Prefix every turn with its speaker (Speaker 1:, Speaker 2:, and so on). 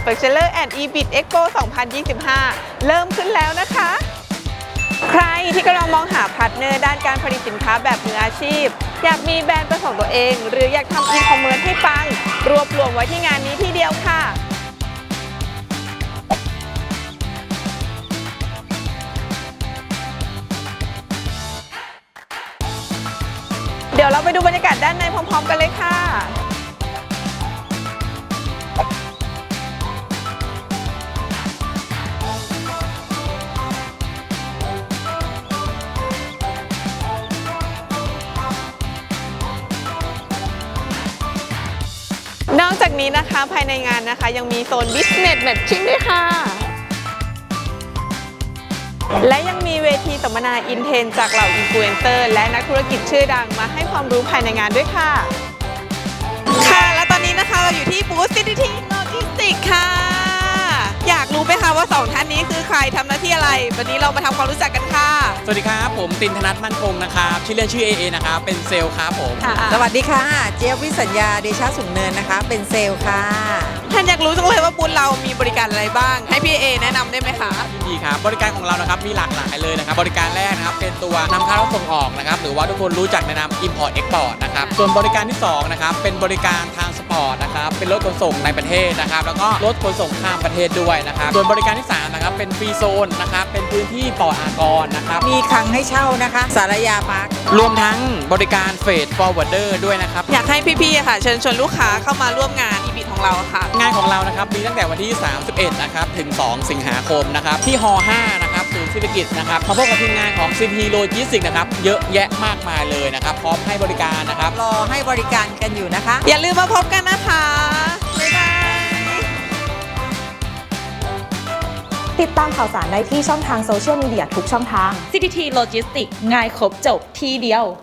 Speaker 1: Bachelor and EBIT Expo 2025 เริ่มขึ้นแล้วนะคะ ใครที่กำลังมองหาพาร์ทเนอร์ด้านการผลิตสินค้าแบบมืออาชีพอยากมีแบรนด์เป็นของตัวเองหรืออยากทำอีคอมเมิร์ซให้ปังรวบรวมไว้ที่งานนี้ที่เดียวค่ะเดี๋ยวเราไปดูบรรยากาศด้านในพร้อมๆกันเลยค่ะนอกจากนี้นะคะภายในงานนะคะยังมีโซน Business Matching ด้วยค่ะและยังมีเวทีสัมมนาอินเทนจากเหล่าอินฟลูเอนเซอร์และนักธุรกิจชื่อดังมาให้ความรู้ภายในงานด้วยค่ะค่ะและตอนนี้นะคะเราอยู่ที่บูธ CTT Logistics ค่ะอยากรู้ไหมคะว่า2ท่านนี้คือใครทำหน้าที่อะไรวันนี้เรามาทำความรู้จักกันค่ะ
Speaker 2: สวัสดีครับผมตินธนัทมั่นคงนะครับชื่อเล่นชื่อเอนะครับเป็นเซลล์ครับผม
Speaker 3: สวัสดีค่ะเจี๊ยบวิสัญญาเดชะสูงเนินนะคะเป็นเซลล์ค่ะ
Speaker 1: ท่านอยากรู้จังเลยว่าบูธเรามีบริการอะไรบ้างให้พี่เอแนะนำได้ไหมคะ
Speaker 2: ยินดีครับบริการของเรานะครับมีหลากหลายเลยนะครับบริการแรกนะครับเป็นตัวนำเข้าส่งออกนะครับหรือว่าทุกคนรู้จักในนาม Import Export นะครับส่วนบริการที่2นะครับเป็นบริการทางสปอร์ตนะครับเป็นรถขนส่งในประเทศนะครับแล้วก็รถขนส่งข้ามประเทศด้วยนะครับส่วนบริการที่3นะครับเป็นฟรีโซนนะครับเป็นพื้นที่ปลอดอากรนะครับ
Speaker 3: มีคลังให้เช่านะคะสารยาพาร์ค
Speaker 2: รวมทั้งบริการเฟดฟอร์เวิร์ดเดอร์ด้วยนะครับ
Speaker 1: อยากให้พี่ๆค่ะเชิญชวนลูกค้าเข้ามาร่วมงาน EBIT ของเราค่ะ
Speaker 2: งานของเรานะครับมีตั้งแต่วันที่31นะครับถึง2สิงหาคมนะครับที่ฮ5นะครับศูนย์เศรษฐกิจนะครับมาพบกับทีมงานของ CTT Logistics นะครับเยอะแยะมากมายเลยนะครับพร้อมให้บริการนะครับ
Speaker 3: รอให้บริการกันอยู่นะคะ
Speaker 1: อย่าลืมมาพบกันนะคะบ๊ายบาย
Speaker 4: ติดตามข่าวสารได้ที่ช่องทางโซเชียลมีเดียทุกช่องทาง
Speaker 5: CTT Logistics ง่ายครบจบที่เดียว